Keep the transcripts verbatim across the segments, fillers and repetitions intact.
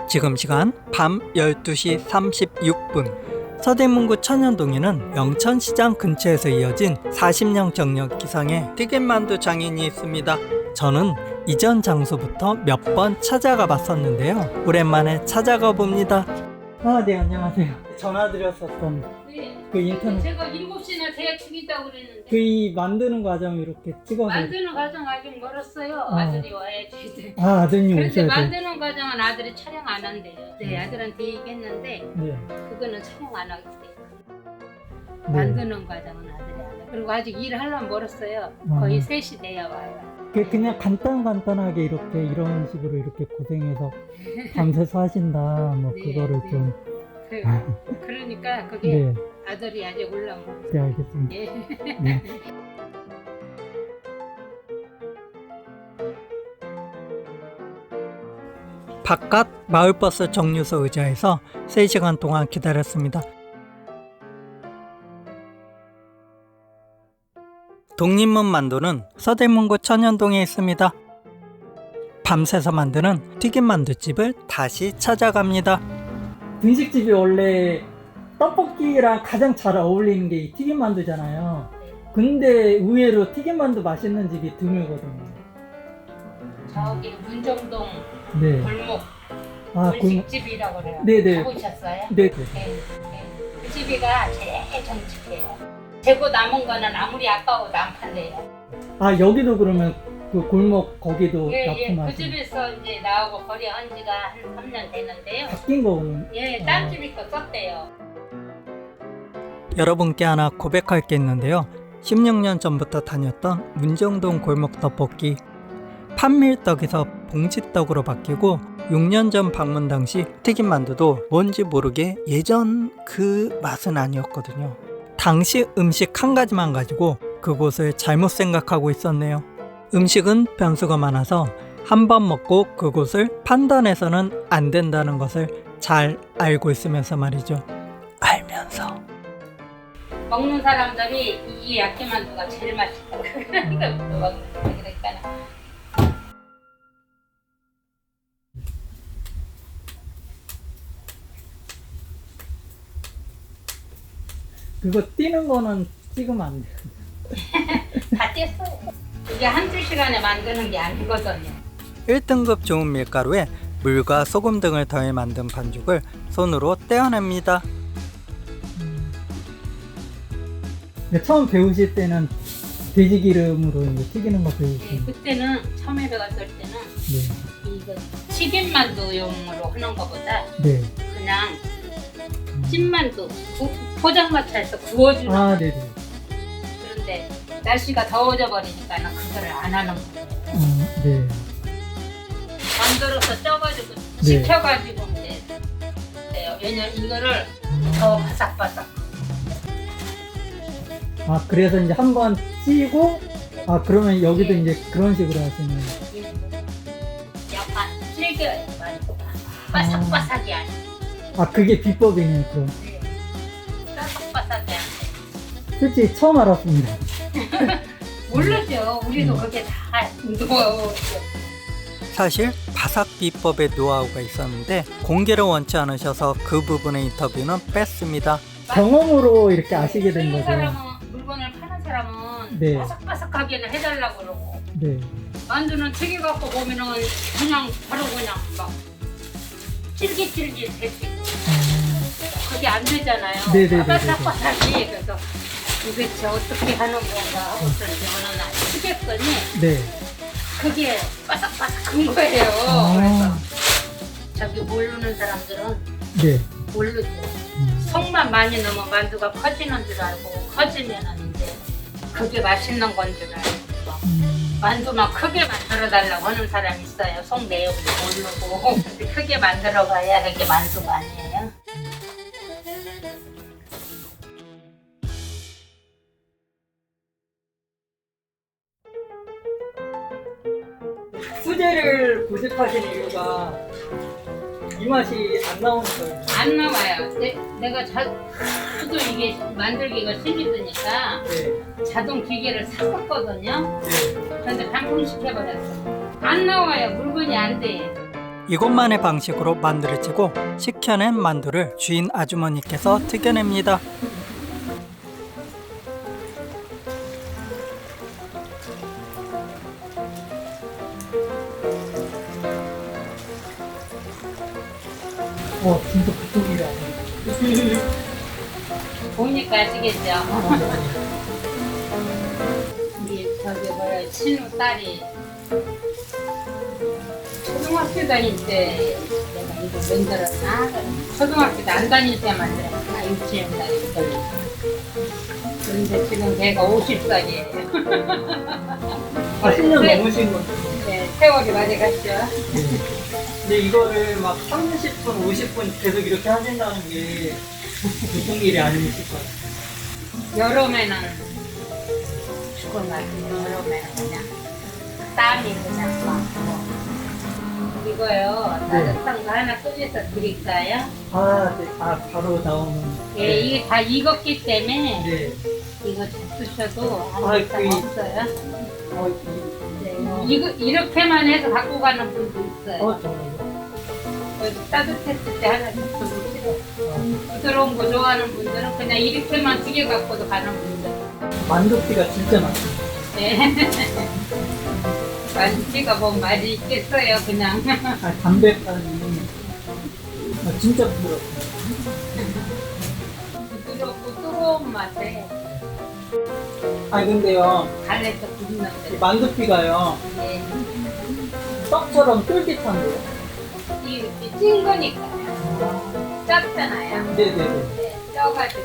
지금 시간 밤 열두 시 삼십육 분. 서대문구 천연동에는 영천시장 근처에서 이어진 사십 년 경력 기상의 튀김만두 장인이 있습니다. 저는 이전 장소부터 몇 번 찾아가 봤었는데요. 오랜만에 찾아가 봅니다. 아, 네, 안녕하세요. 전화드렸었던 네. 그 인터넷 제가 일곱 시나 대충이다고 그랬는데 그 이 만드는 과정 이렇게 찍어서 만드는 과정 아직 멀었어요. 어. 아들이 와야지. 아, 아드님 그런데 오셔야 돼. 만드는 과정은 아들이 촬영 안 한대요. 네, 아들한테 얘기했는데 네. 그거는 촬영 안 하겠대요. 네. 만드는 과정은 아들이 안 해. 그리고 아직 일을 하려면 멀었어요. 어. 거의 세 시 돼야 와요. 그 그냥 간단 간단하게 이렇게 이런 식으로 이렇게 고생해서 밤새서 하신다. 뭐 네, 그거를 네. 좀 그, 그러니까 그게 네. 아들이 아직 올라온 거. 네, 알겠습니다. 예. 네. 바깥 마을버스 정류소 의자에서 세 시간 동안 기다렸습니다. 독립문 만두는 서대문구 천연동에 있습니다. 밤새서 만드는 튀김만두집을 다시 찾아갑니다. 분식집이 원래 떡볶이랑 가장 잘 어울리는 게 이 튀김만두잖아요. 근데 의외로 튀김만두 맛있는 집이 드물거든요. 저기 문정동 네. 골목 아, 골목. 분식집이라고 그래요. 네네. 가보셨어요? 네. 네, 네. 그 집이가 제일 정직해요. 재고 남은 거는 아무리 아까워도 안 판대요. 아, 여기도 그러면 그 골목 거기도 예, 예. 그 납품하시는 집에서 이제 나오고 거리 한 지가 한 삼 년 되는데요. 바뀐 거는 예, 딴 집이 거 썼대요. 여러분께 하나 고백할 게 있는데요. 십육 년 전부터 다녔던 문정동 골목 떡볶이 판밀떡에서 봉지떡으로 바뀌고 육 년 전 방문 당시 튀김만두도 뭔지 모르게 예전 그 맛은 아니었거든요. 당시 음식 한 가지만 가지고 그곳을 잘못 생각하고 있었네요. 음식은 변수가 많아서 한 번 먹고 그곳을 판단해서는 안 된다는 것을 잘 알고 있으면서 말이죠. 알면서 먹는 사람들이 이 야끼만두가 제일 맛있다고 그러니까 먹는 사람이 그랬잖아. 그거 뛰는 거는 찍으면 안 돼요. 다 뗐어요. 이게 한두 시간에 만드는 게 아니거든요. 일 등급 좋은 밀가루에 물과 소금 등을 더해 만든 반죽을 손으로 떼어냅니다. 처음 배우실 때는 돼지 기름으로 이제 튀기는 거 네, 배우시죠? 그때는 처음에 배웠을 때는 네. 이거 튀김만두용으로 하는 것보다 네. 그냥 음. 찐만두 구, 포장마차에서 구워주는 아, 거. 네네. 그런데 날씨가 더워져 버리니까는 그거를 안 하는 거예요. 어, 네. 만들어서 쪄가지고 네. 식혀가지고 이제 해요. 왜냐면 이거를 더 바삭바삭. 아, 그래서 이제 한번 찌고, 아, 그러면 여기도 예. 이제 그런 식으로 하시는. 약간 질겨요. 만두가 바삭바삭이 아니고 아, 그게 비법이네요, 그럼. 바삭바삭이 아니고. 솔직히 처음 알았습니다. 모르죠. 우리도 그게 다 노하우. 사실 바삭 비법의 노하우가 있었는데 공개를 원치 않으셔서 그 부분의 인터뷰는 뺐습니다. 경험으로 이렇게 아시게 된 거죠. 사람은, 물건을 파는 사람은 네. 바삭바삭하게는 해달라고 그러고 네. 만두는 튀겨갖고 보면은 그냥 바로 그냥 막 찔깃찔깃 될수 있고 그게 안 되잖아요. 네네네네. 바삭바삭이. 그래서 도대체 어떻게 하는 건가 하고 저는 튀겼더니 네. 그게 바삭바삭한 거예요. 아. 그래서 저기 모르는 사람들은 네. 모르죠. 음. 속만 많이 넣으면 만두가 커지는 줄 알고 커지면은 이제 그게 맛있는 건 줄 알고 음. 만두만 크게 만들어 달라고 하는 사람이 있어요. 속 내용도 모르고. 근데 크게 만들어 가야 그게 만두가 아니에요. 수제를 고집하신 이유가 이 맛이 안 나오는 거예요. 안 나와요. 내, 내가 자, 하도 이게 만들기가 힘이 드니까 네. 자동 기계를 샀었거든요. 네. 그런데 방풍시켜버렸어. 안 나와요. 물건이 안 돼. 이곳만의 방식으로 만두를 찌고 식혀낸 만두를 주인 아주머니께서 튀겨냅니다. 와, 진짜 보통 일이 아니에요. 보니까 아시겠죠? 우리 저기 뭐야 친구 딸이 초등학교 다닐 때 내가 이거 만들었나? 초등학교 안 다닐 때 만들었나? 유치원 다닐 때. 그런데 지금 걔가 오십 살이에요. 아, 십 년 넘으신 거죠? 네, 세월이 많이 갔죠. 근데 이거를 막 삼십 분, 오십 분 계속 이렇게 하신다는 게 보통 일이 아니실 거예요. 여름에는 죽을 맛이에요. 여름에는 그냥 땀이 그냥 막 뭐. 이거요. 따뜻한 거 하나 꺼내서 드릴까요? 아, 네. 아, 바로 나오는. 예, 이게 다 익었기 때문에 네. 이거 드셔도 아무 아, 이상 그- 없어요. 어, 이- 네, 이거 이렇게만 해서 갖고 가는 분도 있어요. 어, 정말요? 여기 따뜻했을 때 하나 좀 드시고 부드러운 거 좋아하는 분들은 그냥 이렇게만 튀겨 갖고도 가는 분들. 만두피가 진짜 많습니다. 네. 만두가 뭐 맛이 있겠어요, 그냥. 아, 담백함이 아, 진짜 부드럽습니다. 부드럽고 뜨거운 맛에 아, 근데요, 갈래서 이 굽는데. 만두피가요, 네. 떡처럼 쫄깃한데요? 이렇게 찐 거니까요. 짭잖아요. 네네네. 네, 쪄가지고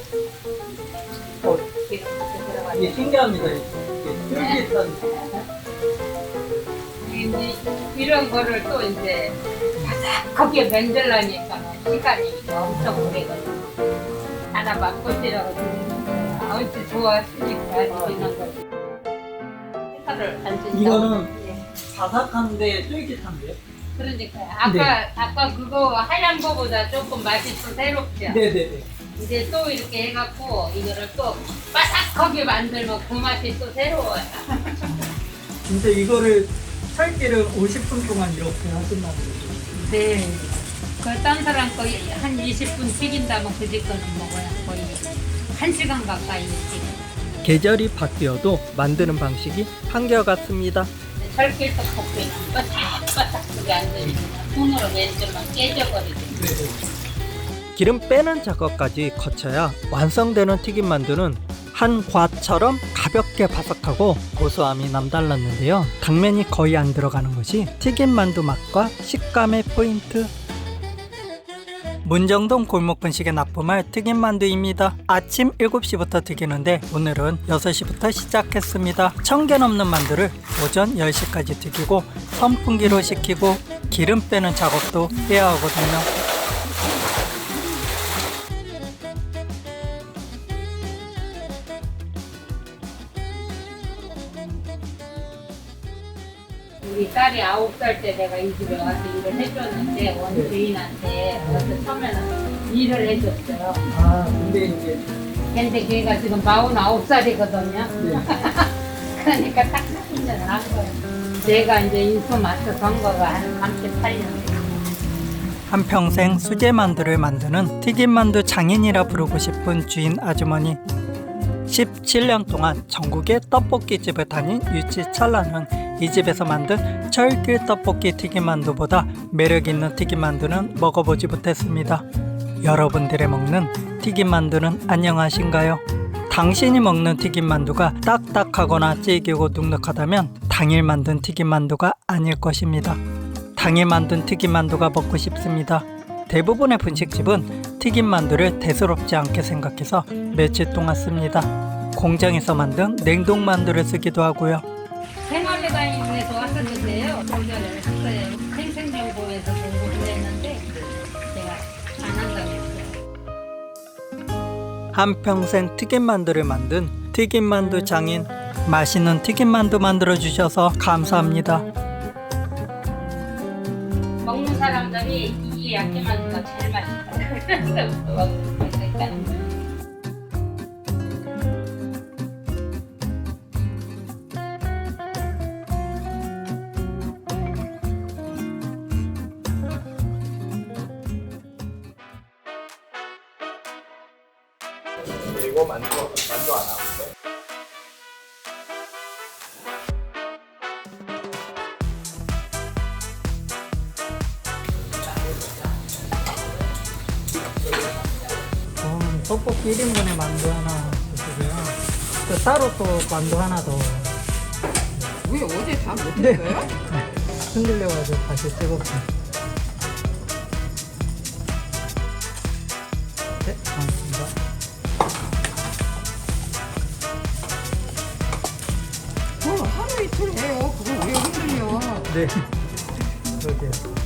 어, 기름 이렇게 이게 들어가지고. 신기합니다. 이게 쫄깃한. 이제 이런 거를 또 이제 바삭하게 만들려니까 시간이 엄청 오래 걸려요. 하나 맛보시라고 드리는 거예요. 아무튼 좋아하시니까 이런 거. 색깔을 안 준다고. 이거는 예. 바삭한데 쫄깃한데요? 그러니까요. 아까 네. 아까 그거 하얀 거보다 조금 맛이 더 새롭죠. 네네네. 이제 또 이렇게 해갖고 이거를 또 바삭하게 만들면 그 맛이 또 새로워요. 진짜 이거를 살기를 오십 분 동안 이렇게 하신다는 거죠? 네. 그딴 사람 거의 한 이십 분 튀긴다면 그 집 거는 먹어야 거의 한 시간 가까이 튀겨. 계절이 바뀌어도 만드는 방식이 한결같습니다. 철길 떡볶이는 바삭바삭하게 안 되면 손으로 만들면 깨져버리죠. 기름 빼는 작업까지 거쳐야 완성되는 튀김 만두는 한 과처럼 가볍게 바삭하고 고소함이 남달랐는데요. 당면이 거의 안 들어가는 것이 튀김 만두 맛과 식감의 포인트. 문정동 골목 분식의 납품할 튀김 만두입니다. 아침 일곱 시부터 튀기는데 오늘은 여섯 시부터 시작했습니다. 천 개 넘는 만두를 오전 열 시까지 튀기고 선풍기로 식히고 기름 빼는 작업도 해야 하거든요. 우리 딸이 아홉 살 때 내가 이 집에 와서 일을 해줬는데 원주인한테 와서 처음에는 일을 해줬어요. 아, 근데 이제 근데 걔가 지금 마흔아홉 살이거든요. 네. 그러니까 딱 삼십 년을 한 거예요. 내가 이제 인수 마스터 한 거가 한 삼십팔 년. 한평생 수제 만두를 만드는 튀김 만두 장인이라 부르고 싶은 주인 아주머니. 십칠 년 동안 전국의 떡볶이 집을 다닌 유치 찰나는 이 집에서 만든 철길 떡볶이 튀김 만두보다 매력 있는 튀김 만두는 먹어보지 못했습니다. 여러분들의 먹는 튀김 만두는 안녕하신가요? 당신이 먹는 튀김 만두가 딱딱하거나 질기고 눅눅하다면 당일 만든 튀김 만두가 아닐 것입니다. 당일 만든 튀김 만두가 먹고 싶습니다. 대부분의 분식집은 튀김 만두를 대수롭지 않게 생각해서 며칠 동안 씁니다. 공장에서 만든 냉동 만두를 쓰기도 하고요. 생활회관에서 왔었는데요. 공전을 했어요. 생생정보에서 공부를 했는데 제가 안 한다고 했어요. 한평생 튀김 만두를 만든 튀김 만두 장인, 맛있는 튀김 만두 만들어 주셔서 감사합니다. 먹는 사람들이 이 야끼만두가 제일 맛있다. 먹고 있으니까. 이거 만두 만두 하나. 음, 떡볶이 일 인분에 만두 하나 주시고요. 또 따로 또 만두 하나 더. 왜 어제 다 못했어요? 흔들려가지고 다시 찍었습니다. 네, 고맙습니다. 뭐 하루 이틀 해요. 그걸 왜 흔들려? 네, 그러게요.